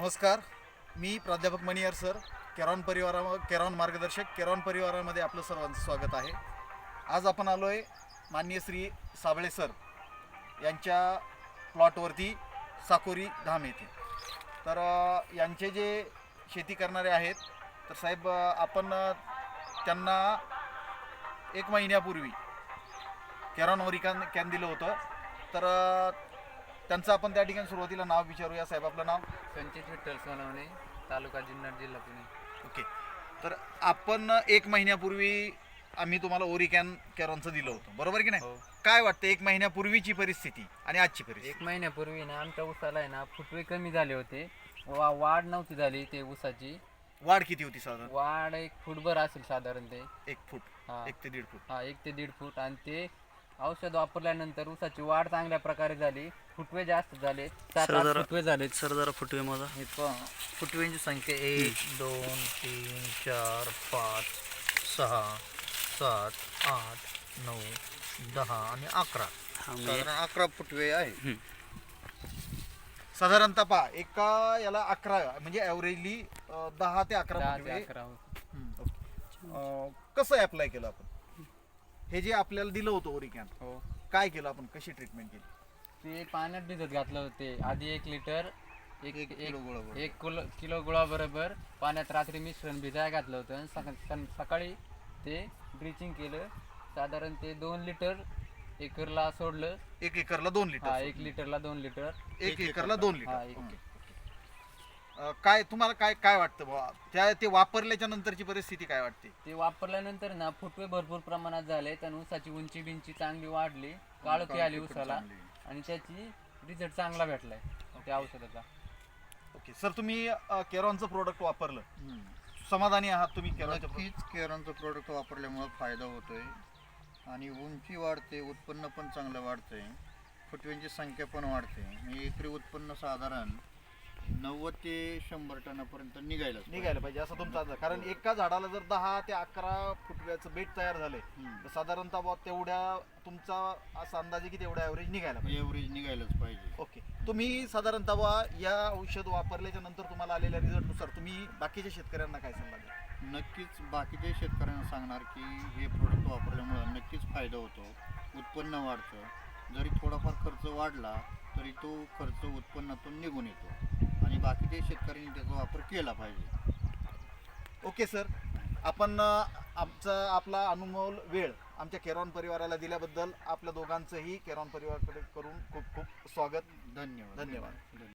नमस्कार, मी प्राध्यापक मणियार सर, केरॉन मार्गदर्शक केरॉन परिवारामध्ये आपलं सर्वांचं स्वागत आहे. आज आपण आलो आहे माननीय श्री साबळे सर यांच्या प्लॉटवरती साकोरी धाम येथे. तर यांचे जे शेती करणारे आहेत, तर साहेब आपण त्यांना 1 महिन्यापूर्वी केरॉन कॅन दिलं होतं. तर त्यांचं आपण त्या ठिकाणी सुरुवातीला नाव विचारूया. साहेब, आपलं नाव? संचित विठ्ठल सोनवणे, तालुका जुन्नर, जिल्हा पुणे. ओके. तर आपण 1 महिन्यापूर्वी आम्ही तुम्हाला केरॉनचं दिलं होतं, बरोबर की नाही? हो. काय वाटतं 1 महिन्यापूर्वीची परिस्थिती आणि आजची 1 परिस्थिती? महिन्यापूर्वी ना आमच्या ऊसाला आहे ना फुटवे कमी झाले होते. वाढ नव्हती झाली. ते ऊसाची वाढ किती होती साधारण? वाढ 1 फूटभर असेल साधारण. ते 1 फूट, हा. 1 ते 1.5 फूट. 1 ते 1.5 फूट. आणि ते औषध वापरल्यानंतर ऊसाची वाढ चांगल्या प्रकारे झाली. फुटवे जास्त झाले. 7-8 फुटवे झाले. सर जरा फुटवे माझा हे पहा, फुटव्यांची संख्या 1 2 3 4 5 6 7 8 9 10 आणि 11. साधारण 11 फुटवे आहे. साधारणतः पहा, एका याला 11 म्हणजे ॲव्हरेजली 10 ते 11 10 फुटवे. ते 11. कसं अप्लाय केलं आपण? हे जे आपल्याला दिलं होतं ओरिकॅन, हो. काय केलं आपण, कशी ट्रीटमेंट केली? ते पाण्यात भिजत घातलं होते. आधी 1 लिटर एक किलो गुळाबरोबर. 1 किलो गुळाबरोबर पाण्यात रात्री मिश्रण भिजायला घातलं होतं. आणि सकाळी ते ड्रिचिंग केलं. साधारण ते 2 लिटर एकरला सोडलं. 1 एकरला 2 लिटर. 1 लिटरला 2 लिटर. 1 एकरला 2 हा, लिटर. 1 काय तुम्हाला काय वाटतं बुवा, ते वापरल्याच्या नंतरची परिस्थिती काय वाटते? ते वापरल्यानंतर ना फुटवे भरपूर प्रमाणात झाले. आणि ऊसाची उंची बिंची चांगली वाढली. काळोखी आली ऊसाला. आणि त्याची रिझल्ट चांगला भेटलाय त्या औषधाचा. ओके सर, तुम्ही केरॉनचं प्रोडक्ट वापरलं, समाधानी आहात तुम्ही केरॉनचं नक्कीच केरॉनचं प्रोडक्ट वापरल्यामुळे फायदा होतोय आणि उंची वाढते, उत्पन्न पण चांगलं वाढतंय, फुटव्यांची संख्या पण वाढते. म्हणजे एकरी उत्पन्न साधारण 90 ते 100 टनापर्यंत निघायला पाहिजे असं तुमचा अंदाज. कारण एका झाडाला जर 10 ते 11 फुटव्याचं बेट तयार झालंय, तर साधारणतः बुवा तेवढ्या तुमचा असा अंदाज आहे की तेवढ्या ॲव्हरेज निघायला पाहिजे. एव्हरेज निघायलाच पाहिजे. ओके. तुम्ही साधारणतः बुवा या औषध वापरल्याच्या नंतर तुम्हाला आलेल्या रिझल्टनुसार तुम्ही बाकीच्या शेतकऱ्यांना काय सल्ला द्याल? नक्कीच बाकीच्या शेतकऱ्यांना सांगणार की हे प्रोडक्ट वापरल्यामुळे नक्कीच फायदा होतो, उत्पन्न वाढतं. जरी थोडाफार खर्च वाढला तरी तो खर्च उत्पन्नातून निघून येतो आणि बाकीच्या शेतकऱ्यांनी त्याचा वापर केला पाहिजे. ओके सर, आपण आपला अनमोल वेळ आमच्या केरॉन परिवाराला दिल्याबद्दल आपल्या दोघांचंही केरॉन परिवाराकडे करून खूप खूप स्वागत. धन्यवाद. धन्यवाद.